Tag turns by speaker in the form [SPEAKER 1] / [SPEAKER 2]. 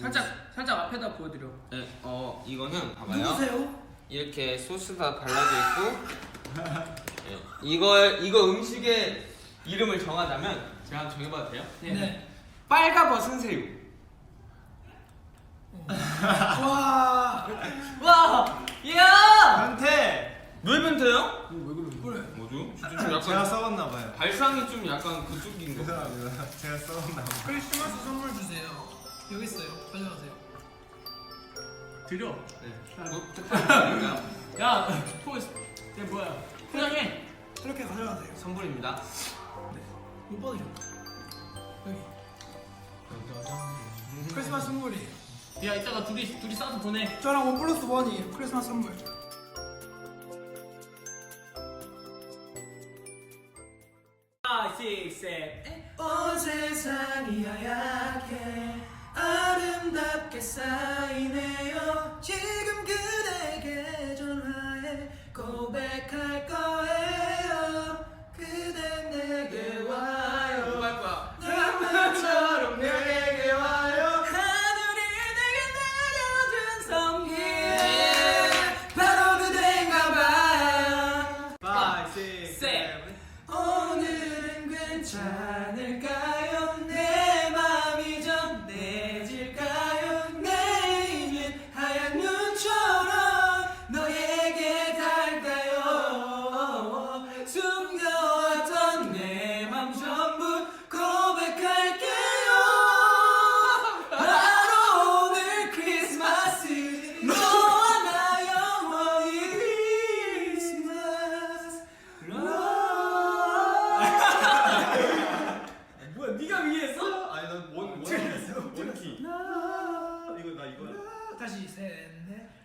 [SPEAKER 1] 살짝 앞에다 보여드려.
[SPEAKER 2] 네, 이거는 봐봐요.
[SPEAKER 3] 누구세요?
[SPEAKER 2] 이렇게 소스가 발라져 있고 네, 이거 음식의 이름을 정하자면 제가 한번 정해봐도 돼요?
[SPEAKER 3] 네.
[SPEAKER 2] 빨가벗은 새우.
[SPEAKER 3] 와.
[SPEAKER 1] 야!
[SPEAKER 4] 변태!
[SPEAKER 2] 왜 변태요?
[SPEAKER 3] 그래.
[SPEAKER 2] 뭐죠? 진짜 좀
[SPEAKER 4] 제가
[SPEAKER 2] 약간
[SPEAKER 4] 썩었나봐요.
[SPEAKER 2] 발상이 좀 약간 그쪽인 거.
[SPEAKER 4] 죄송합니다. 제가 썩었나봐요.
[SPEAKER 3] 크리스마스 선물 주세요. 여기 있어요. 가져가세요.
[SPEAKER 1] 드려.
[SPEAKER 2] 네. 뭐 특별한가요?
[SPEAKER 1] 야, 포스. 얘 뭐야? 포장해.
[SPEAKER 3] 이렇게 가져가세요.
[SPEAKER 2] 선물입니다.
[SPEAKER 3] 못 받으셨나? 여기. 크리스마스 선물이에요.
[SPEAKER 1] 야, 이따가 둘이 싸서 보내.
[SPEAKER 3] 저랑 1+1이 크리스마스 선물.
[SPEAKER 1] 5, 6, 7.
[SPEAKER 3] 온 세상이 하얗게 아름답게 쌓이네요. 지금 그대에게 전화해 고백할 거예요. 그대 내게 와요.
[SPEAKER 2] 뭐 할 거야?
[SPEAKER 3] 낭만처럼 내게 와요. 하늘이 내게 내려준 성기 바로 그대인가 봐요.
[SPEAKER 4] 5, 6,
[SPEAKER 1] 7.
[SPEAKER 3] 오늘은 괜찮을까요? 내 맘이 전해질까요? 내일은 하얀 눈처럼 너에게 닿을까요? 숨겨왔던 내 맘 전부 고백할게요. 바로 오늘 크리스마스 너와 나 영원히 크리스마스
[SPEAKER 1] 뭐야, 네가 위에 했어?
[SPEAKER 4] 아니 난 원키. 이거 나 이거야.
[SPEAKER 3] 다시 셋넷